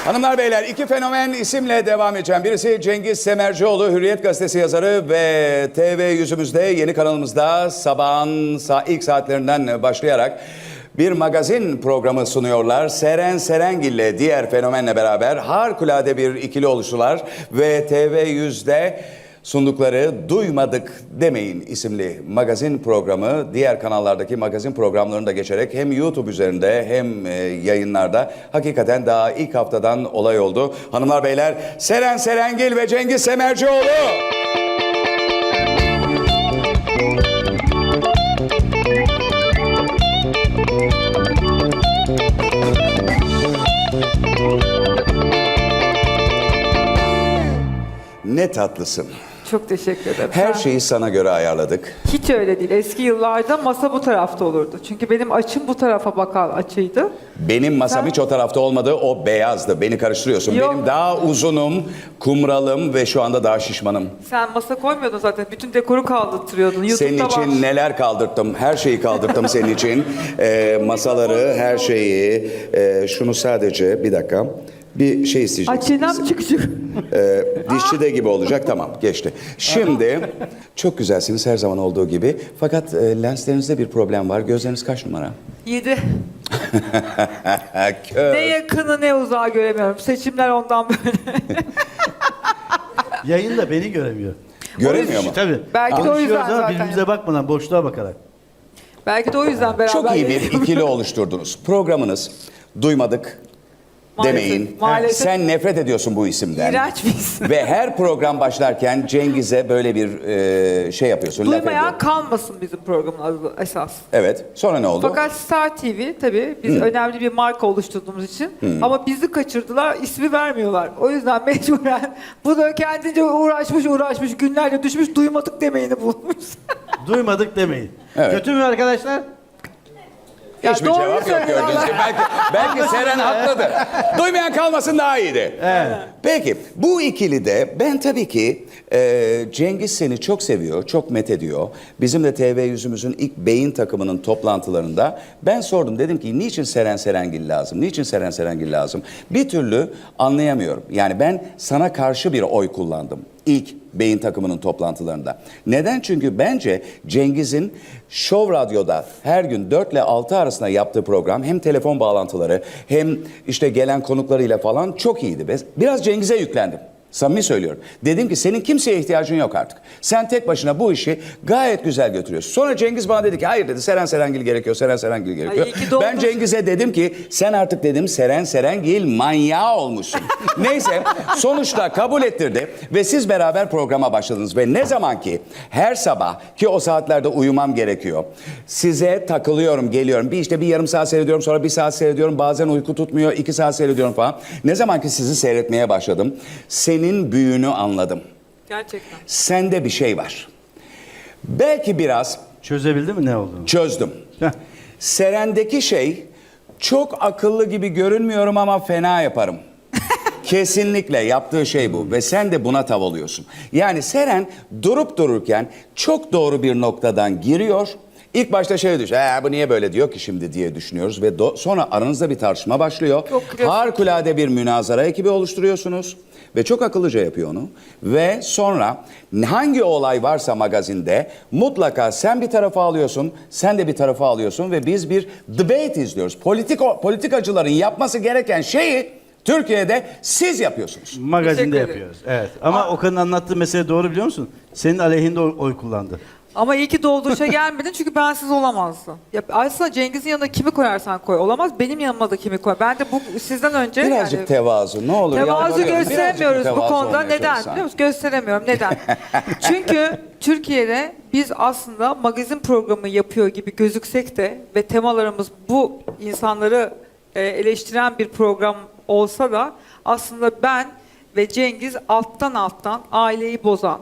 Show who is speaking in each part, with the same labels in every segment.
Speaker 1: Hanımlar beyler, iki fenomen isimle devam edeceğim. Birisi Cengiz Semercioğlu, Hürriyet Gazetesi yazarı ve TV yüzümüzde yeni kanalımızda sabahın ilk saatlerinden başlayarak bir magazin programı sunuyorlar. Seren Serengil ile diğer fenomenle beraber harikulade bir ikili oluştular ve TV100'de sundukları Duymadık Demeyin isimli magazin programı diğer kanallardaki magazin programlarını da geçerek hem YouTube üzerinde hem yayınlarda hakikaten daha ilk haftadan olay oldu. Hanımlar beyler, Seren Serengil ve Cengiz Semercioğlu. Ne tatlısın.
Speaker 2: Çok teşekkür ederim.
Speaker 1: Her şeyi sana göre ayarladık.
Speaker 2: Hiç öyle değil. Eski yıllarda masa bu tarafta olurdu. Çünkü benim açım bu tarafa bakan açıydı.
Speaker 1: Benim masam hiç o tarafta olmadı, o beyazdı. Beni karıştırıyorsun.
Speaker 2: Yok.
Speaker 1: Benim daha uzunum, kumralım ve şu anda daha şişmanım.
Speaker 2: Sen masa koymuyordun zaten. Bütün dekoru kaldırtıyordun. YouTube'da
Speaker 1: Senin için
Speaker 2: var.
Speaker 1: neler kaldırttım, her şeyi kaldırttım senin için. Masaları, her şeyi. Şunu sadece, bir dakika. Bir şey isteyeceğim.
Speaker 2: Açıdan çık.
Speaker 1: Dişçide gibi olacak, tamam, geçti. Şimdi çok güzelsiniz her zaman olduğu gibi. Fakat lenslerinizde bir problem var. Gözleriniz kaç numara?
Speaker 2: 7. Ne yakını ne uzağı göremiyorum. Seçimler ondan böyle.
Speaker 3: Yayında beni göremiyor.
Speaker 1: Göremiyor mu?
Speaker 3: Tabii.
Speaker 2: Belki de o
Speaker 3: Konuşuyoruz
Speaker 2: yüzden
Speaker 3: ama
Speaker 2: zaten.
Speaker 3: birbirimize bakmadan, boşluğa bakarak.
Speaker 2: Belki de o yüzden beraber.
Speaker 1: Çok iyi bir
Speaker 2: yayınlıyoruz.
Speaker 1: ikili oluşturdunuz. Programınız Duymadık
Speaker 2: Maalesef,
Speaker 1: Demeyin.
Speaker 2: maalesef.
Speaker 1: Sen nefret ediyorsun bu isimden.
Speaker 2: İğrenç bir isim.
Speaker 1: Ve her program başlarken Cengiz'e böyle bir şey yapıyorsun. laf
Speaker 2: Duymayan
Speaker 1: ediyorsun.
Speaker 2: kalmasın bizim programın adı esas.
Speaker 1: Evet. Sonra ne oldu?
Speaker 2: Fakat Star TV tabii biz önemli bir marka oluşturduğumuz için ama bizi kaçırdılar, ismi vermiyorlar. O yüzden mecburen bu da kendince uğraşmış günlerce düşmüş Duymadık Demeyini bulmuş.
Speaker 3: Duymadık demeyin.
Speaker 1: Evet.
Speaker 3: Kötü mü arkadaşlar?
Speaker 2: Ya
Speaker 1: Hiçbir
Speaker 2: doğru
Speaker 1: cevap yok
Speaker 2: söylüyor
Speaker 1: gördüğünüz
Speaker 2: Allah.
Speaker 1: gibi. Belki Seren haklıdır. Duymayan kalmasın daha iyiydi.
Speaker 3: Evet.
Speaker 1: Peki bu ikili de ben tabii ki Cengiz seni çok seviyor, çok met ediyor. Bizim de TV yüzümüzün ilk beyin takımının toplantılarında ben sordum. Dedim ki niçin Seren Serengil lazım? Niçin Seren Serengil lazım? Bir türlü anlayamıyorum. Yani ben sana karşı bir oy kullandım. İlk beyin takımının toplantılarında. Neden? Çünkü bence Cengiz'in Show Radyo'da her gün 4 ile 6 arasında yaptığı program hem telefon bağlantıları hem işte gelen konuklarıyla falan çok iyiydi. Biraz Cengiz'e yüklendim. Samimi söylüyorum. Dedim ki senin kimseye ihtiyacın yok artık. Sen tek başına bu işi gayet güzel götürüyorsun. Sonra Cengiz bana dedi ki hayır dedi Seren Serengil gerekiyor, Seren Serengil gerekiyor.
Speaker 2: Ay, iyi ki doğdun.
Speaker 1: Ben Cengiz'e dedim ki sen artık dedim Seren Serengil manyağı olmuşsun. Neyse sonuçta kabul ettirdi ve siz beraber programa başladınız. Ve ne zaman ki her sabah ki o saatlerde uyumam gerekiyor. Size takılıyorum, geliyorum. Bir yarım saat seyrediyorum, sonra 1 saat seyrediyorum. Bazen uyku tutmuyor, 2 saat seyrediyorum falan. Ne zaman ki sizi seyretmeye başladım. Senin büyüğünü anladım.
Speaker 2: Gerçekten.
Speaker 1: Sende bir şey var. Belki biraz
Speaker 3: Çözebildin mi ne olduğunu?
Speaker 1: çözdüm.
Speaker 3: Heh.
Speaker 1: Seren'deki şey çok akıllı gibi görünmüyorum ama fena yaparım. Kesinlikle yaptığı şey bu ve sen de buna tav oluyorsun. Yani Seren durup dururken çok doğru bir noktadan giriyor. İlk başta şey düşün, bu niye böyle diyor ki şimdi diye düşünüyoruz ve sonra aranızda bir tartışma başlıyor.
Speaker 2: Çok klasik.
Speaker 1: Harikulade bir münazara ekibi oluşturuyorsunuz ve çok akıllıca yapıyor onu. Ve sonra hangi olay varsa magazinde mutlaka sen bir tarafa alıyorsun, sen de bir tarafa alıyorsun ve biz bir debate izliyoruz. Politikacıların yapması gereken şeyi Türkiye'de siz yapıyorsunuz.
Speaker 3: Magazinde
Speaker 2: Teşekkür ederim.
Speaker 3: yapıyoruz. Evet. Ama Okan'ın anlattığı mesele doğru biliyor musun? Senin aleyhinde oy kullandı.
Speaker 2: Ama iyi ki dolduruşa gelmedin çünkü bensiz olamazdın. Ya aslında Cengiz'in yanına kimi koyarsan koy olamaz. Benim yanıma da kimi koy. Ben de bu sizden önce
Speaker 1: Birazcık tevazu ne olur.
Speaker 2: tevazu
Speaker 1: yalvarıyorum.
Speaker 2: gösteremiyoruz
Speaker 1: Birazcık
Speaker 2: bu
Speaker 1: mütevazı
Speaker 2: konuda.
Speaker 1: olmaya
Speaker 2: Neden?
Speaker 1: çalışsan.
Speaker 2: Biliyor musun? Gösteremiyorum. Neden? Çünkü Türkiye'de biz aslında magazin programı yapıyor gibi gözüksek de ve temalarımız bu insanları eleştiren bir program olsa da aslında ben ve Cengiz alttan aileyi bozan,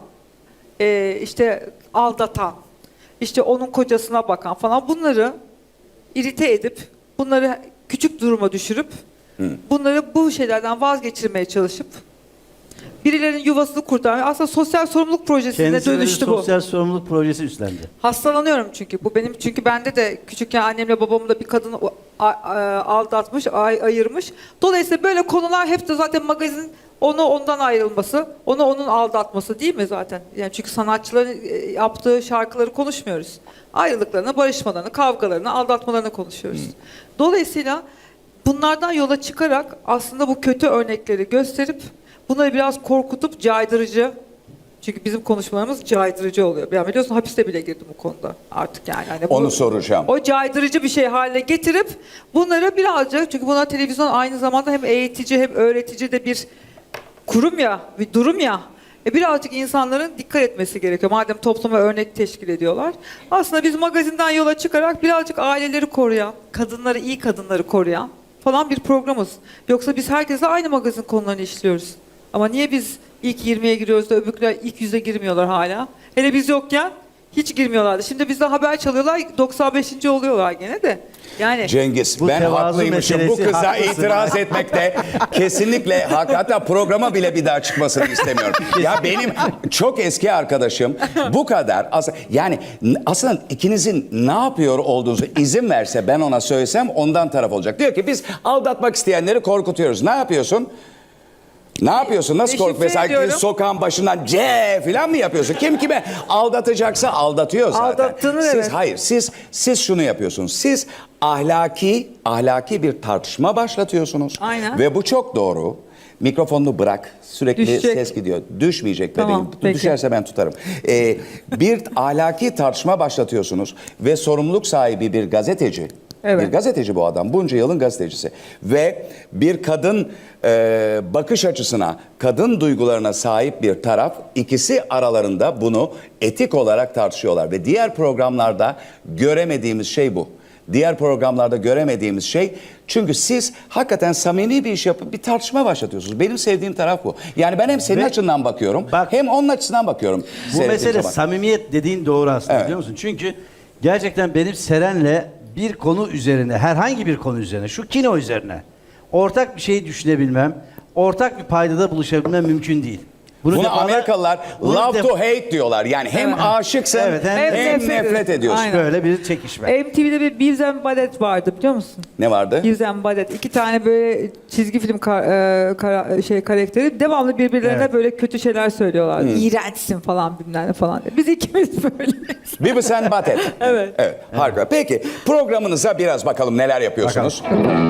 Speaker 2: işte aldatan, işte onun kocasına bakan falan bunları irite edip, bunları küçük duruma düşürüp, bunları bu şeylerden vazgeçirmeye çalışıp birilerinin yuvasını kurtarmaya aslında sosyal sorumluluk projesine
Speaker 3: Kendisi de bir
Speaker 2: dönüştü bu.
Speaker 3: sosyal sorumluluk projesi üstlendi.
Speaker 2: Hastalanıyorum çünkü. Bu benim çünkü bende de küçükken annemle babamla bir kadın aldatmış, ayırmış. Dolayısıyla böyle konular hep de zaten magazin onu ondan ayrılması, onu onun aldatması değil mi zaten? Yani çünkü sanatçıların yaptığı şarkıları konuşmuyoruz. Ayrılıklarını, barışmalarını, kavgalarını, aldatmalarını konuşuyoruz. Dolayısıyla bunlardan yola çıkarak aslında bu kötü örnekleri gösterip bunları biraz korkutup caydırıcı, çünkü bizim konuşmalarımız caydırıcı oluyor. Yani biliyorsun hapiste bile girdim bu konuda artık yani. Hani
Speaker 1: Onu soracağım.
Speaker 2: O caydırıcı bir şey haline getirip bunları birazcık, çünkü bunlar televizyon aynı zamanda hem eğitici hem öğretici de bir kurum ya, bir durum ya. Birazcık insanların dikkat etmesi gerekiyor. Madem topluma örnek teşkil ediyorlar. Aslında biz magazinden yola çıkarak birazcık aileleri koruyan, kadınları, iyi kadınları koruyan falan bir programız. Yoksa biz herkesle aynı magazin konularını işliyoruz. Ama niye biz ilk 20'ye giriyoruz da öbürküler ilk 100'e girmiyorlar hala? Hele biz yokken hiç girmiyorlardı. Şimdi bizde haber çalıyorlar, 95. oluyorlar gene de. Yani
Speaker 1: Cengiz,
Speaker 3: Bu
Speaker 1: ben
Speaker 3: tevazu
Speaker 1: haklıymışım. Bu
Speaker 3: meselesi,
Speaker 1: kıza
Speaker 3: haklısın.
Speaker 1: itiraz etmekte kesinlikle hak. Hatta programa bile bir daha çıkmasını istemiyorum. Ya benim çok eski arkadaşım bu kadar. Yani aslında ikinizin ne yapıyor olduğunuzu izin verse, ben ona söylesem ondan taraf olacak. Diyor ki biz aldatmak isteyenleri korkutuyoruz. Ne yapıyorsun? Ne yapıyorsun? Nasıl kork?
Speaker 2: Deşifre
Speaker 1: Mesela
Speaker 2: ediyorum.
Speaker 1: sokağın başından C falan mı yapıyorsun? Kim kime aldatacaksa aldatıyor zaten.
Speaker 2: Aldattığını
Speaker 1: siz,
Speaker 2: evet.
Speaker 1: Hayır, siz şunu yapıyorsunuz. Siz ahlaki bir tartışma başlatıyorsunuz.
Speaker 2: Aynen.
Speaker 1: Ve bu çok doğru. Mikrofonunu bırak. Sürekli
Speaker 2: Düşecek.
Speaker 1: ses gidiyor. Düşmeyecek bebeğim.
Speaker 2: Tamam, peki.
Speaker 1: Düşerse ben tutarım. Bir ahlaki tartışma başlatıyorsunuz ve sorumluluk sahibi bir gazeteci.
Speaker 2: Evet.
Speaker 1: Bir gazeteci bu adam. Bunca yılın gazetecisi. Ve bir kadın bakış açısına, kadın duygularına sahip bir taraf, ikisi aralarında bunu etik olarak tartışıyorlar. Ve diğer programlarda göremediğimiz şey bu. Diğer programlarda göremediğimiz şey, çünkü siz hakikaten samimi bir iş yapıp bir tartışma başlatıyorsunuz. Benim sevdiğim taraf bu. Yani ben hem senin
Speaker 3: Ve
Speaker 1: açından bakıyorum,
Speaker 3: bak,
Speaker 1: hem onun açısından bakıyorum.
Speaker 3: Bu
Speaker 1: seyrettiğim
Speaker 3: mesele
Speaker 1: zaman.
Speaker 3: samimiyet dediğin doğru aslında,
Speaker 1: Evet.
Speaker 3: biliyor musun? Çünkü gerçekten benim Seren'le bir konu üzerine, herhangi bir konu üzerine, şu kino üzerine ortak bir şey düşünebilmem, ortak bir paydada buluşabilmem mümkün değil.
Speaker 1: Bunu
Speaker 3: defalar-
Speaker 1: Amerikalılar
Speaker 3: bunu
Speaker 1: love
Speaker 3: def-
Speaker 1: to hate diyorlar. Yani hem
Speaker 2: Evet.
Speaker 1: aşıksın
Speaker 3: Evet, hem
Speaker 1: hem
Speaker 2: nefret
Speaker 1: nefret
Speaker 2: ediyorsun.
Speaker 1: ediyorsun.
Speaker 2: Aynen.
Speaker 3: Böyle bir çekişme.
Speaker 2: MTV'de bir Beavis and Butthead vardı biliyor musun?
Speaker 1: Ne vardı?
Speaker 2: Beavis and Butthead. İki tane böyle çizgi film karakteri devamlı birbirlerine
Speaker 3: Evet.
Speaker 2: böyle kötü şeyler söylüyorlardı. İğrençsin falan bilmem ne falan diye. Biz ikimiz böyle.
Speaker 1: Beavis and Butthead.
Speaker 2: Evet.
Speaker 1: Evet, harika. Peki programınıza biraz bakalım neler yapıyorsunuz.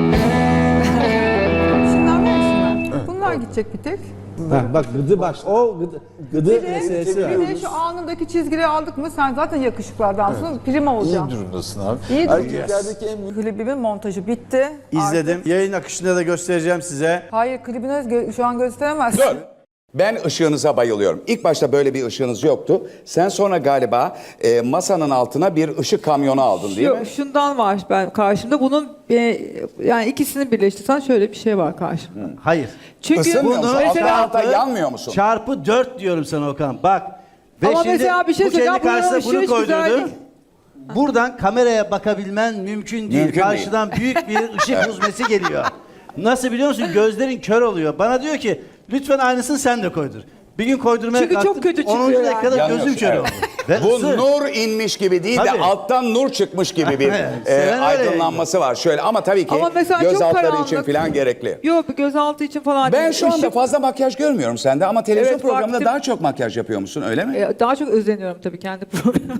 Speaker 4: Şunlar var şunlar. Bunlar gidecek bir tek.
Speaker 5: Ha, bak gıdı bak o gıdı
Speaker 4: Bir de,
Speaker 5: meselesi var.
Speaker 4: bir de şu alnındaki çizgileri aldık mı sen zaten yakışıklı adamsın. Prim olacaksın.
Speaker 6: İyi durumdasın abi.
Speaker 4: İyi
Speaker 6: Erkeklerdeki en büyük
Speaker 4: Klibimin montajı bitti.
Speaker 3: İzledim.
Speaker 4: Artık-
Speaker 3: Yayın akışında da göstereceğim size.
Speaker 4: Hayır klibini şu an gösteremezsin.
Speaker 1: Dur. Ben ışığınıza bayılıyorum. İlk başta böyle bir ışığınız yoktu. Sen sonra galiba masanın altına bir ışık kamyonu aldın değil mi?
Speaker 2: Yok, şundan var ben karşımda. Bunun yani ikisini birleştirsen şöyle bir şey var karşımda.
Speaker 3: Hayır.
Speaker 2: Çünkü
Speaker 1: Isınmıyor musun?
Speaker 2: mesela
Speaker 1: Alta yanmıyor musun?
Speaker 3: Çarpı 4 diyorum sana Okan. Bak. Ve
Speaker 2: Ama
Speaker 3: şimdi
Speaker 2: mesela bir şey
Speaker 3: bu kendi
Speaker 2: söyleyeceğim, buranın
Speaker 3: karşısına
Speaker 2: ışığı
Speaker 3: bunu
Speaker 2: hiç güzel
Speaker 3: koydurdu.
Speaker 2: değil.
Speaker 3: Buradan kameraya bakabilmen mümkün değil.
Speaker 1: Mümkün değil.
Speaker 3: Karşıdan büyük bir ışık huzmesi geliyor. Nasıl biliyor musun? Gözlerin kör oluyor. Bana diyor ki lütfen aynısını sen de koydur. Bir gün koydurmaya
Speaker 2: Çünkü
Speaker 3: kalktım.
Speaker 2: çok kötü çıkıyor
Speaker 3: 10.
Speaker 2: yani.
Speaker 3: dakikada
Speaker 1: Yanıyorsun,
Speaker 3: gözüm kör
Speaker 1: evet.
Speaker 3: oldu. Ve
Speaker 1: Bu
Speaker 3: ısı.
Speaker 1: nur inmiş gibi değil de
Speaker 3: Tabii.
Speaker 1: alttan nur çıkmış gibi bir
Speaker 3: Seven öyle
Speaker 1: aydınlanması var. Şöyle ama tabii ki
Speaker 2: Ama mesela
Speaker 1: göz
Speaker 2: çok
Speaker 1: altları
Speaker 2: karanlık.
Speaker 1: için falan gerekli.
Speaker 2: Yok, bir gözaltı için falan
Speaker 1: Ben
Speaker 2: değil.
Speaker 1: şu anda
Speaker 2: Işık-
Speaker 1: fazla makyaj görmüyorum sende ama televizyon
Speaker 2: Evet,
Speaker 1: programında
Speaker 2: baktım.
Speaker 1: daha çok makyaj yapıyor musun öyle mi?
Speaker 2: Daha çok özeniyorum tabii kendi programıma.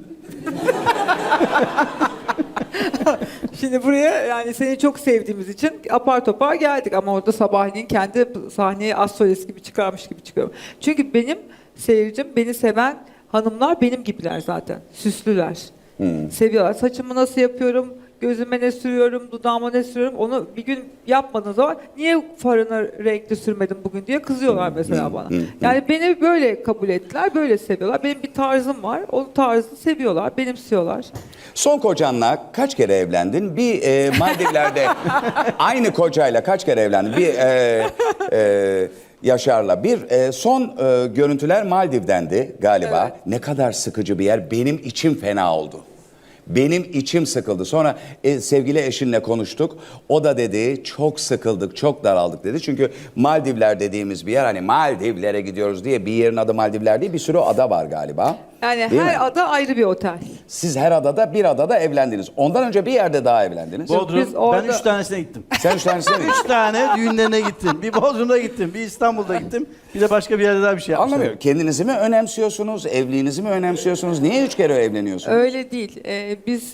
Speaker 2: Şimdi buraya yani seni çok sevdiğimiz için apar topar geldik ama orada sabahleyin kendi sahneye az solist gibi çıkarmış gibi çıkıyorum. Çünkü benim seyircim, beni seven hanımlar benim gibiler zaten. Süslüler. Seviyorlar. Saçımı nasıl yapıyorum, gözüme ne sürüyorum, dudağıma ne sürüyorum, onu bir gün yapmadığın zaman niye farını renkli sürmedin bugün diye kızıyorlar mesela bana. Yani beni böyle kabul ettiler, böyle seviyorlar. Benim bir tarzım var, o tarzı seviyorlar, benimsiyorlar.
Speaker 1: Son kocanla kaç kere evlendin? Bir Maldivler'de aynı kocayla kaç kere evlendin? Bir Yaşar'la. Bir son görüntüler Maldiv'dendi galiba.
Speaker 2: Evet.
Speaker 1: Ne kadar sıkıcı bir yer. Benim içim fena oldu. Benim içim sıkıldı. Sonra sevgili eşinle konuştuk. O da dedi çok sıkıldık, çok daraldık dedi. Çünkü Maldivler dediğimiz bir yer, hani Maldivlere gidiyoruz diye bir yerin adı Maldivler değil, bir sürü ada var galiba.
Speaker 2: Yani
Speaker 1: Değil mi?
Speaker 2: her ada ayrı bir otel.
Speaker 1: Siz her adada bir adada evlendiniz. Ondan önce bir yerde daha evlendiniz.
Speaker 3: Bodrum.
Speaker 2: Biz orada-
Speaker 3: Ben 3 tanesine gittim.
Speaker 1: Sen 3 tanesine mi?
Speaker 3: 3 tane düğünlerine gittim. Bir Bodrum'da gittim, bir İstanbul'da gittim. Bir de başka bir yerde daha bir şey yapmıştım.
Speaker 1: Anlamıyorum. Kendinizi mi önemsiyorsunuz? Evliliğinizi mi önemsiyorsunuz? Niye 3 kere evleniyorsunuz?
Speaker 2: Öyle değil. Biz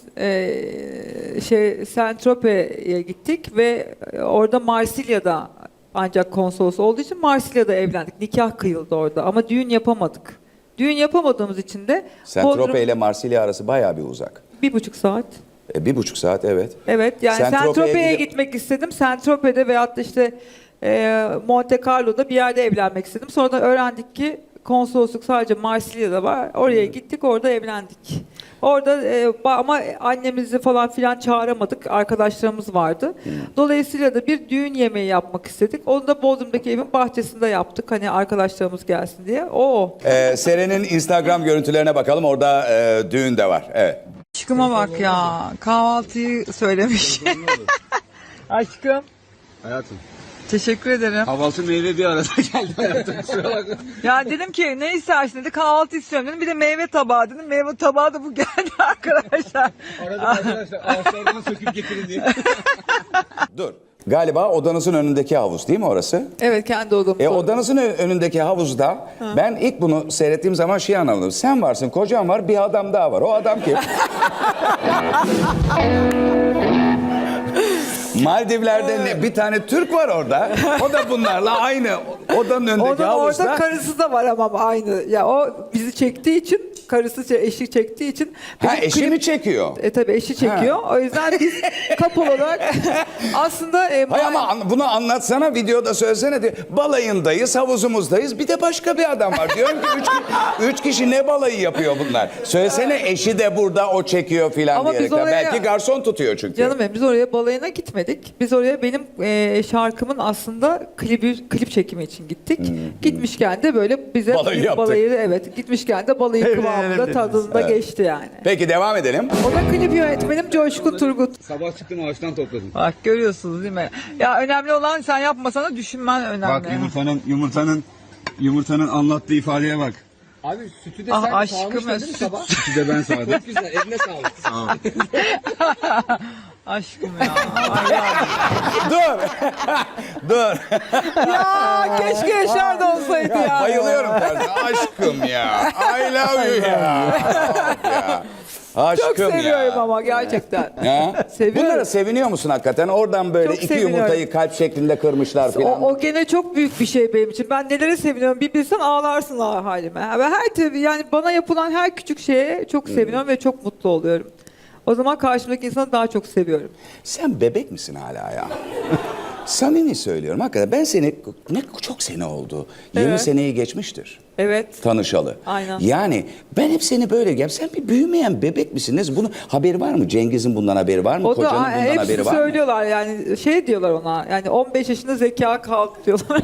Speaker 2: Saint-Tropez'e gittik ve orada Marsilya'da ancak konsolos olduğu için Marsilya'da evlendik. Nikah kıyıldı orada ama düğün yapamadık. Düğün yapamadığımız için de
Speaker 1: Saint-Tropez ile Marsilya arası bayağı bir uzak.
Speaker 2: 1,5 saat.
Speaker 1: 1,5 saat, evet.
Speaker 2: Evet, yani
Speaker 1: Saint-Tropez'e
Speaker 2: Saint-Tropez'e
Speaker 1: gidip-
Speaker 2: gitmek istedim. Saint-Tropez'de veyahut da işte Monte Carlo'da bir yerde evlenmek istedim. Sonra da öğrendik ki konsolosluk sadece Marsilya'da var. Oraya gittik, orada evlendik. Orada ama annemizi falan filan çağıramadık. Arkadaşlarımız vardı. Dolayısıyla da bir düğün yemeği yapmak istedik. Onu da Bodrum'daki evin bahçesinde yaptık. Hani arkadaşlarımız gelsin diye.
Speaker 1: Seren'in Instagram görüntülerine bakalım. Orada düğün de var. Evet.
Speaker 2: Aşkıma bak ya. Kahvaltıyı söylemiş. Aşkım.
Speaker 6: Hayatım.
Speaker 2: Teşekkür ederim.
Speaker 6: Kahvaltı meyve bir arada geldi hayatım. Kusura bakma.
Speaker 2: Ya dedim ki ne istersin dedi. Kahvaltı istiyorum dedim. Bir de meyve tabağı dedim. Meyve tabağı da bu geldi arkadaşlar.
Speaker 6: Arada arkadaşlar ağaçlardan söküp getirin diye.
Speaker 1: Dur. Galiba odanızın önündeki havuz değil mi orası?
Speaker 2: Evet, kendi odamız.
Speaker 1: Odanızın önündeki havuzda ben ilk bunu seyrettiğim zaman şey anladım. Sen varsın, kocan var, bir adam daha var. O adam kim? Maldivler'de bir tane Türk var orada. O da bunlarla aynı odanın önündeki
Speaker 2: Orada
Speaker 1: havuzda.
Speaker 2: karısı da var ama aynı. Ya o bizi çektiği için, eşi çektiği için.
Speaker 1: Ha,
Speaker 2: bizim
Speaker 1: eşi
Speaker 2: klip-
Speaker 1: mi çekiyor?
Speaker 2: Tabii eşi çekiyor. O yüzden biz couple olarak aslında
Speaker 1: Hay ama bunu anlatsana, videoda söylesene. Diyor. Balayındayız, havuzumuzdayız. Bir de başka bir adam var. Diyorum ki üç kişi ne balayı yapıyor bunlar? Söylesene, eşi de burada, o çekiyor filan
Speaker 2: Ama biz
Speaker 1: diyerekten.
Speaker 2: oraya-
Speaker 1: Belki garson tutuyor çünkü.
Speaker 2: canım benim, biz oraya balayına gitmedik. Biz oraya benim şarkımın aslında klip çekimi için gittik. Gitmişken de böyle bize
Speaker 1: Balayı yaptık.
Speaker 2: evet, gitmişken de balayı kıvamında tadında geçti yani.
Speaker 1: Peki devam edelim.
Speaker 2: O da klip yönetmenim Coşkun Turgut.
Speaker 6: Sabah çıktım ağaçtan topladım.
Speaker 2: Bak görüyorsunuz değil mi? Ya önemli olan sen yapmasana, düşünmen önemli.
Speaker 6: Bak yumurtanın anlattığı ifadeye bak.
Speaker 5: Abi sütü de
Speaker 2: Ah,
Speaker 5: sen
Speaker 2: aşkım
Speaker 5: sağmıştın
Speaker 2: ya,
Speaker 5: değil mi
Speaker 2: süt.
Speaker 5: sabah?
Speaker 6: Sütü de ben sağdım.
Speaker 5: Çok güzel, eline sağlık.
Speaker 6: Sağ ol.
Speaker 2: Aşkım ya. Ay ya.
Speaker 1: Dur. Dur.
Speaker 2: Ya keşke Yaşar da olsaydı ya.
Speaker 1: Bayılıyorum tarzı. Aşkım ya. I love you ya. ya. Aşkım
Speaker 2: Çok seviyorum
Speaker 1: ya.
Speaker 2: ama gerçekten.
Speaker 1: Ya.
Speaker 2: Seviyorum.
Speaker 1: Bunlara seviniyor musun hakikaten? Oradan böyle
Speaker 2: Çok
Speaker 1: iki
Speaker 2: seviniyorum.
Speaker 1: yumurtayı kalp şeklinde kırmışlar falan.
Speaker 2: O gene çok büyük bir şey benim için. Ben nelere seviniyorum bir bilsen ağlarsın halime. Ve tabii yani bana yapılan her küçük şeye çok seviniyorum ve çok mutlu oluyorum. O zaman karşımdaki insanı daha çok seviyorum.
Speaker 1: Sen bebek misin hala ya? Samimi söylüyorum hakikaten. Ben seni, çok sene oldu. 20
Speaker 2: Evet.
Speaker 1: seneyi geçmiştir.
Speaker 2: Evet.
Speaker 1: Tanışalı.
Speaker 2: Aynen.
Speaker 1: Yani ben hep seni böyle sen bir büyümeyen bebek misin? Bunu haberi var mı? Cengiz'in bundan haberi var mı?
Speaker 2: O
Speaker 1: Kocanın
Speaker 2: da
Speaker 1: bundan
Speaker 2: hepsi
Speaker 1: haberi var mı?
Speaker 2: söylüyorlar yani şey diyorlar ona yani 15 yaşında zeka kaldı diyorlar.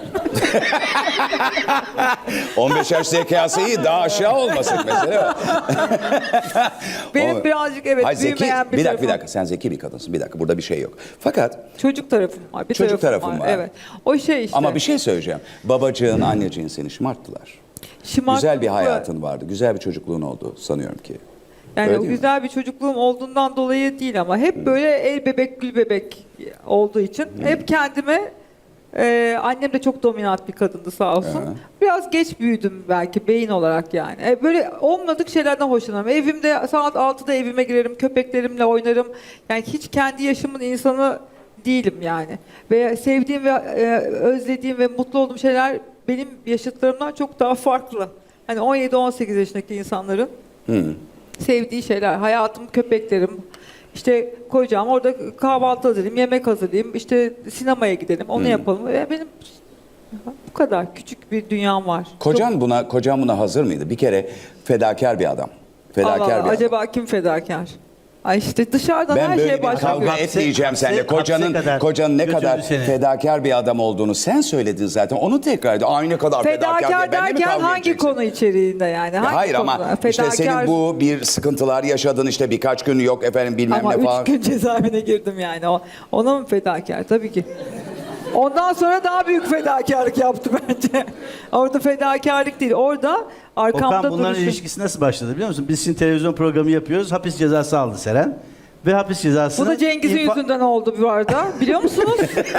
Speaker 1: 15 yaş zekası iyi, daha aşağı olmasın mesela.
Speaker 2: Benim birazcık evet
Speaker 1: Hayır, zeki,
Speaker 2: büyümeyen bir
Speaker 1: bir
Speaker 2: tarafım.
Speaker 1: dakika sen zeki bir kadınsın. Bir dakika, burada bir şey yok. Fakat
Speaker 2: Çocuk tarafım var. Bir
Speaker 1: Çocuk tarafım var.
Speaker 2: Evet. O şey işte.
Speaker 1: ama bir şey söyleyeceğim. Babacığın, anneciğin seni şımarttılar. Güzel bir hayatın vardı. Güzel bir çocukluğun oldu sanıyorum ki.
Speaker 2: Yani
Speaker 1: Öyle
Speaker 2: o
Speaker 1: değil mi?
Speaker 2: güzel bir çocukluğum olduğundan dolayı değil ama hep böyle el bebek gül bebek olduğu için hep kendime annem de çok dominant bir kadındı sağ olsun. Biraz geç büyüdüm belki beyin olarak yani. Böyle olmadık şeylerden hoşlanırım. Evimde saat 6'da evime girerim, köpeklerimle oynarım. Yani hiç kendi yaşımın insanı değilim yani. Ve sevdiğim ve özlediğim ve mutlu olduğum şeyler benim yaşıtlarımdan çok daha farklı. Hani 17-18 yaşındaki insanların sevdiği şeyler. Hayatım, köpeklerim. İşte koyacağım orada kahvaltı hazırlayayım, yemek hazırlayayım, işte sinemaya gidelim, onu yapalım. Benim bu kadar küçük bir dünyam var.
Speaker 1: Kocan buna hazır mıydı? Bir kere fedakar bir adam. Fedakar
Speaker 2: Allah Allah,
Speaker 1: bir adam.
Speaker 2: acaba kim fedakar? Ay işte dışarıdan
Speaker 1: Ben
Speaker 2: her
Speaker 1: böyle
Speaker 2: şeye
Speaker 1: bir
Speaker 2: başlıyor.
Speaker 1: kavga etmeyeceğim seninle. Kocanın ne kadar fedakar bir adam olduğunu sen söyledin zaten. Onu tekrar edin. Ay ne kadar fedakar diye
Speaker 2: Fedakar
Speaker 1: benimle mi
Speaker 2: derken
Speaker 1: kavga
Speaker 2: hangi
Speaker 1: edeceksin?
Speaker 2: konu içeriğinde yani? Hangi
Speaker 1: Hayır ama
Speaker 2: konuda?
Speaker 1: işte senin bu bir sıkıntılar yaşadın işte birkaç gün yok efendim bilmem
Speaker 2: Ama
Speaker 1: ne falan.
Speaker 2: 3 gün cezaevine girdim yani. Ona mı fedakar? Tabii ki. Ondan sonra daha büyük fedakarlık yaptı bence. Orada fedakarlık değil. Orada arkamda
Speaker 3: Okan bunların
Speaker 2: duruşum.
Speaker 3: ilişkisi nasıl başladı biliyor musun? Biz şimdi televizyon programı yapıyoruz. Hapis cezası aldı Seren. Ve hapis cezasını...
Speaker 2: Bu da Cengiz'in yüzünden oldu bu arada. Biliyor musunuz?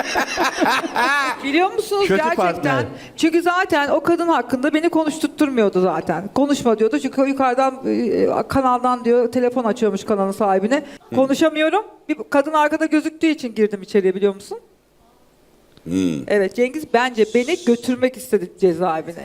Speaker 2: Biliyor musunuz
Speaker 3: Kötü
Speaker 2: gerçekten?
Speaker 3: partner.
Speaker 2: Çünkü zaten o kadın hakkında beni konuşturtturmuyordu zaten. Konuşma diyordu. Çünkü yukarıdan kanaldan diyor telefon açıyormuş kanalın sahibine. Konuşamıyorum. Bir kadın arkada gözüktüğü için girdim içeriye biliyor musun? Evet Cengiz bence beni götürmek istedi cezaevine.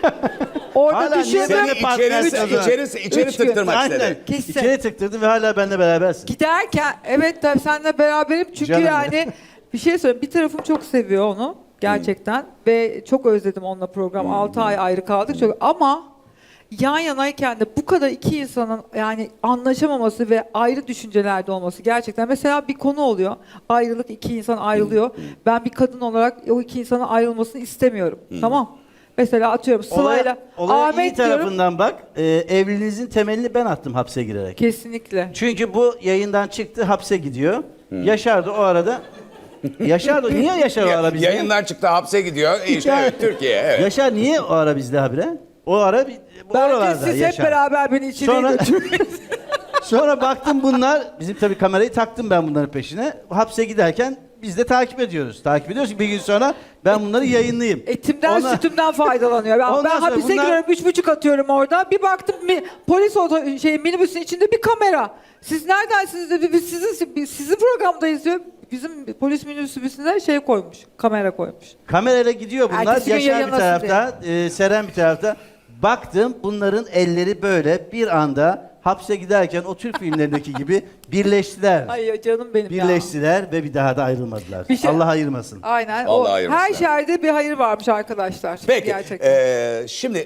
Speaker 2: Orada
Speaker 3: Hala niye
Speaker 2: düşündüm.
Speaker 3: benimle partnersin o zaman?
Speaker 1: İçeri
Speaker 2: Üç gün.
Speaker 1: tıktırmak
Speaker 3: Aynen.
Speaker 1: istedi.
Speaker 2: Kesin.
Speaker 3: İçeri tıktırdı ve hala benimle berabersin.
Speaker 2: Giderken evet tabii seninle beraberim çünkü
Speaker 3: Canım
Speaker 2: yani bir şey söyleyeyim bir tarafım çok seviyor onu gerçekten ve çok özledim onunla program 6 ay ayrı kaldık çok ama yan yanayken de bu kadar iki insanın yani anlaşamaması ve ayrı düşüncelerde olması gerçekten mesela bir konu oluyor ayrılık iki insan ayrılıyor ben bir kadın olarak o iki insanın ayrılmasını istemiyorum tamam mesela atıyorum Sıla'yla
Speaker 3: Olaya iyi
Speaker 2: Ahmet diyorum
Speaker 3: tarafından bak. Evliliğinizin temelini ben attım hapse girerek.
Speaker 2: kesinlikle.
Speaker 3: Çünkü bu yayından çıktı hapse gidiyor. Yaşar da o arada... Yaşar da niye Yaşar o ara bizde?
Speaker 1: Yayından çıktı hapse gidiyor. İşte evet, Türkiye. Evet.
Speaker 3: Yaşar niye o ara bizde habire? O ara bu
Speaker 2: Bence
Speaker 3: oralarda
Speaker 2: siz hep
Speaker 3: Yaşar.
Speaker 2: beraber beni içeriye
Speaker 3: Sonra-
Speaker 2: götürün.
Speaker 3: Sonra baktım bunlar, bizim tabii kamerayı taktım ben bunların peşine. Hapse giderken biz de takip ediyoruz. Takip ediyoruz ki bir gün sonra ben bunları yayınlayayım.
Speaker 2: Etimden
Speaker 3: Ona-
Speaker 2: sütümden faydalanıyor.
Speaker 3: Ondan
Speaker 2: Ben
Speaker 3: sonra
Speaker 2: hapise
Speaker 3: bunlar-
Speaker 2: giriyorum 3,5 atıyorum orada. Bir baktım polis minibüsün içinde bir kamera. Siz neredensiniz dedi. Biz sizin programdayız diyor. Bizim polis minibüsüne şey koymuş. Kamera koymuş.
Speaker 3: Kamerayla gidiyor bunlar.
Speaker 2: Ertesi gün
Speaker 3: Yaşar bir
Speaker 2: yayınlasın
Speaker 3: tarafta, Seren bir tarafta. Baktım bunların elleri böyle bir anda hapse giderken o Türk filmlerindeki gibi birleştiler.
Speaker 2: Ay canım benim ya.
Speaker 3: Birleştiler ve bir daha da ayrılmadılar.
Speaker 2: Bir şey-
Speaker 3: Allah ayırmasın.
Speaker 2: Aynen.
Speaker 1: Allah
Speaker 2: O,
Speaker 1: ayırmasın.
Speaker 2: her şerde bir hayır varmış arkadaşlar.
Speaker 1: Peki
Speaker 2: Gerçekten.
Speaker 1: şimdi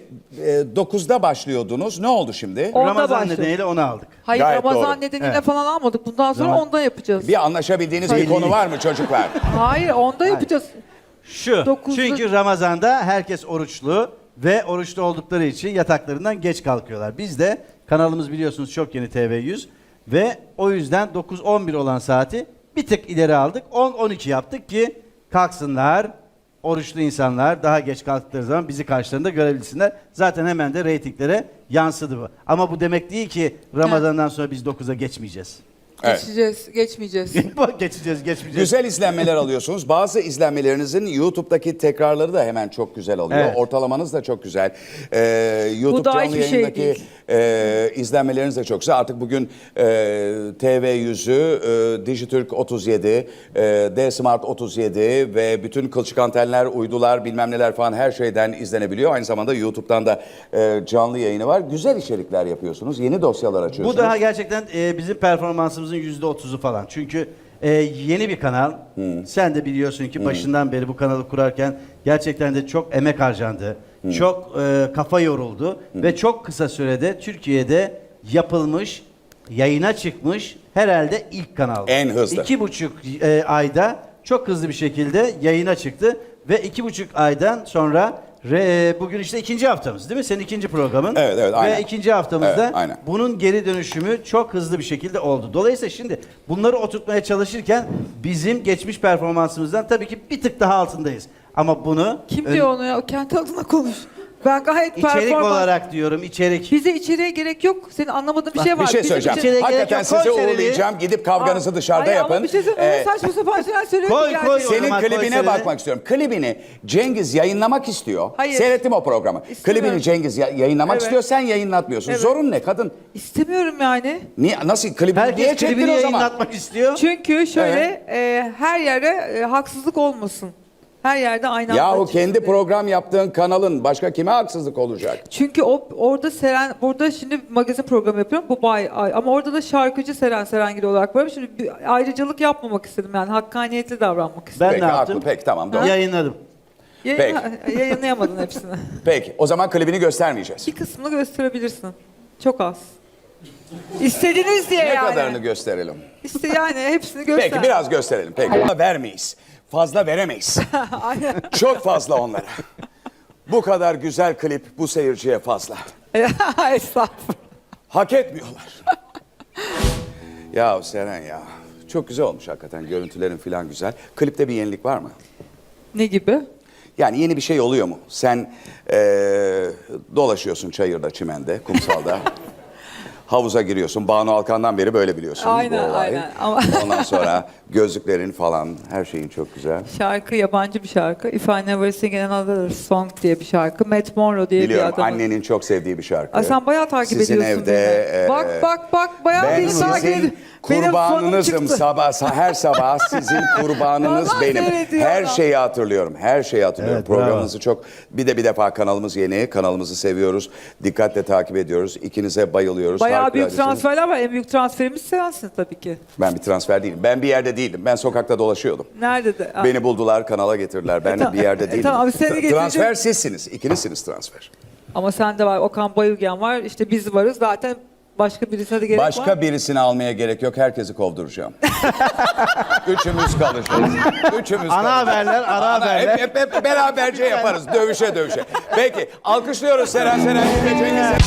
Speaker 1: 9'da başlıyordunuz. Ne oldu şimdi?
Speaker 2: Onda
Speaker 3: Ramazan
Speaker 2: başlıyor.
Speaker 3: nedeniyle onu aldık.
Speaker 2: Hayır
Speaker 1: Gayet
Speaker 2: Ramazan
Speaker 1: doğru.
Speaker 2: nedeniyle
Speaker 3: Evet.
Speaker 2: falan almadık. Bundan sonra
Speaker 3: Zaman-
Speaker 2: onda yapacağız.
Speaker 1: Bir anlaşabildiğiniz bir konu var mı çocuklar?
Speaker 2: Hayır onda yapacağız.
Speaker 3: Şu,
Speaker 2: Dokuzlu-
Speaker 3: çünkü Ramazan'da herkes oruçlu ve oruçlu oldukları için yataklarından geç kalkıyorlar. Biz de kanalımız biliyorsunuz çok yeni TV100 ve o yüzden 9-11 olan saati bir tık ileri aldık. 10-12 yaptık ki kalksınlar, oruçlu insanlar daha geç kalktıkları zaman bizi karşılarında görebilsinler. Zaten hemen de reytinglere yansıdı bu. Ama bu demek değil ki Ramazan'dan sonra biz 9'a geçmeyeceğiz.
Speaker 1: Evet.
Speaker 2: Geçmeyeceğiz.
Speaker 3: geçmeyeceğiz.
Speaker 1: Güzel izlenmeler alıyorsunuz. Bazı izlenmelerinizin YouTube'daki tekrarları da hemen çok güzel alıyor.
Speaker 3: Evet.
Speaker 1: Ortalamanız da çok güzel. YouTube
Speaker 2: Bu da
Speaker 1: canlı
Speaker 2: hiçbir şey
Speaker 1: yayındaki izlenmeleriniz de çok güzel. Artık bugün TV100'ü, Dijitürk 37, D-Smart 37 ve bütün kılçık antenler, uydular bilmem neler falan her şeyden izlenebiliyor. Aynı zamanda YouTube'dan da canlı yayını var. Güzel içerikler yapıyorsunuz. Yeni dosyalar açıyorsunuz.
Speaker 3: Bu daha gerçekten bizim performansımızın %30'u falan. Çünkü yeni bir kanal. Sen de biliyorsun ki başından beri bu kanalı kurarken gerçekten de çok emek harcandı. Çok kafa yoruldu. Ve çok kısa sürede Türkiye'de yapılmış, yayına çıkmış herhalde ilk kanal.
Speaker 1: En hızlı.
Speaker 3: 2,5 ayda çok hızlı bir şekilde yayına çıktı. Ve 2,5 aydan sonra bugün işte 2. haftamız değil mi? Senin 2. programın.
Speaker 1: Evet, aynen.
Speaker 3: Ve 2. haftamızda
Speaker 1: Evet, aynen.
Speaker 3: bunun geri dönüşümü çok hızlı bir şekilde oldu. Dolayısıyla şimdi bunları oturtmaya çalışırken bizim geçmiş performansımızdan tabii ki bir tık daha altındayız. Ama bunu
Speaker 2: Kim diyor onu ya? O kendi adına konuş. Ben gayet
Speaker 3: içerik olarak diyorum, içerik.
Speaker 2: Bize içeriye gerek yok. Senin anlamadığın bir şey var.
Speaker 1: Bir şey
Speaker 2: Bizim
Speaker 1: söyleyeceğim.
Speaker 3: içeriye gerek
Speaker 1: Hakikaten
Speaker 3: yok.
Speaker 1: sizi
Speaker 3: Koy seneni.
Speaker 1: uğurlayacağım. Gidip kavganızı dışarıda
Speaker 2: Ay,
Speaker 1: yapın.
Speaker 2: Ama bir şey söyleyeyim.
Speaker 1: Ee,
Speaker 2: Saçma sapan şeyler söylüyor
Speaker 3: Koy,
Speaker 2: ki
Speaker 3: koy
Speaker 2: gerçekten.
Speaker 3: o
Speaker 1: Senin
Speaker 3: zaman,
Speaker 1: klibine
Speaker 3: koy
Speaker 1: bakmak istiyorum. Klibini Cengiz yayınlamak istiyor.
Speaker 2: Hayır.
Speaker 1: Seyrettim o programı.
Speaker 2: İstemiyorum.
Speaker 1: Klibini Cengiz yayınlamak
Speaker 2: Evet.
Speaker 1: istiyor. Sen yayınlatmıyorsun.
Speaker 2: Evet.
Speaker 1: Zorun ne kadın?
Speaker 2: İstemiyorum yani.
Speaker 1: Niye? Nasıl? Klibini niye
Speaker 3: Herkes
Speaker 1: çektin
Speaker 3: klibini
Speaker 1: o zaman?
Speaker 3: yayınlatmak istiyor.
Speaker 2: Çünkü şöyle her yere haksızlık olmasın. Her yerde aynı anda
Speaker 1: Yahu
Speaker 2: çıksın
Speaker 1: kendi
Speaker 2: diye.
Speaker 1: program yaptığın kanalın başka kime haksızlık olacak?
Speaker 2: Çünkü orada burada şimdi magazin programı yapıyorum. Bu ama orada da şarkıcı Serengil olarak varım. Şimdi bir ayrıcalık yapmamak istedim yani hakkaniyetli davranmak istedim.
Speaker 3: Ben
Speaker 1: Peki,
Speaker 3: ne yaptım?
Speaker 1: haklı. Peki, tamam, doğru.
Speaker 3: Yayınladım.
Speaker 2: Yayınlayamadın hepsini.
Speaker 1: Peki o zaman klibini göstermeyeceğiz.
Speaker 2: Bir kısmını gösterebilirsin. Çok az. İstediniz diye
Speaker 1: Ne
Speaker 2: yani.
Speaker 1: kadarını gösterelim?
Speaker 2: İşte yani hepsini göster.
Speaker 1: Peki biraz gösterelim. Peki. Fazla vermeyiz. Fazla veremeyiz. Çok fazla onlara. Bu kadar güzel klip bu seyirciye fazla.
Speaker 2: Estağfurullah.
Speaker 1: Hak etmiyorlar. Ya Seren ya. Çok güzel olmuş hakikaten. Görüntülerin falan güzel. Klipte bir yenilik var mı?
Speaker 2: Ne gibi?
Speaker 1: Yani yeni bir şey oluyor mu? Sen dolaşıyorsun çayırda, çimende, kumsalda. Havuza giriyorsun. Banu Alkan'dan beri böyle biliyorsun
Speaker 2: Aynen,
Speaker 1: bu olayı.
Speaker 2: aynen. Ama-
Speaker 1: Ondan sonra gözlüklerin falan her şeyin çok güzel.
Speaker 2: Şarkı yabancı bir şarkı. If I Never Sing Another Song diye bir şarkı. Matt Monro diye
Speaker 1: Biliyorum
Speaker 2: bir adam.
Speaker 1: annenin çok sevdiği bir şarkı.
Speaker 2: Ay sen bayağı takip
Speaker 1: Sizin
Speaker 2: ediyorsun
Speaker 1: evde,
Speaker 2: beni. Bak bayağı
Speaker 1: ben
Speaker 2: beni takip
Speaker 1: sizin
Speaker 2: ediyorsun. Benim sonum
Speaker 1: kurbanınızım
Speaker 2: çıktı.
Speaker 1: her sabah sizin kurbanınız
Speaker 2: Vallahi
Speaker 1: benim.
Speaker 2: seyrediyorum.
Speaker 1: Her şeyi hatırlıyorum. Her şeyi hatırlıyorum.
Speaker 3: Evet, bravo.
Speaker 1: Programınızı çok bir defa kanalımız yeni. Kanalımızı seviyoruz. Dikkatle takip ediyoruz. İkinize bayılıyoruz.
Speaker 2: Bayağı büyük
Speaker 1: Harikuladesiniz.
Speaker 2: transferler var. En büyük transferimiz sensin tabii ki.
Speaker 1: Ben bir transfer değilim. Ben bir yerde değildim. Ben sokakta dolaşıyordum.
Speaker 2: Nerede de?
Speaker 1: Beni buldular, kanala getirdiler. Ben bir yerde değilim.
Speaker 2: tamam, seni getirecek-
Speaker 1: Transfer sizsiniz. İkinizsiniz transfer.
Speaker 2: Ama sende var. Okan Bayülgen var. İşte biz varız. Zaten başka birisine de gerek var.
Speaker 1: Başka birisini almaya gerek yok. Herkesi kovduracağım. Üçümüz kalacağız. Üçümüz
Speaker 3: Ana
Speaker 1: kalacağız.
Speaker 3: haberler, ara haberler.
Speaker 1: Hep beraberce yaparız. Dövüşe. Peki. Alkışlıyoruz Seren Cengiz.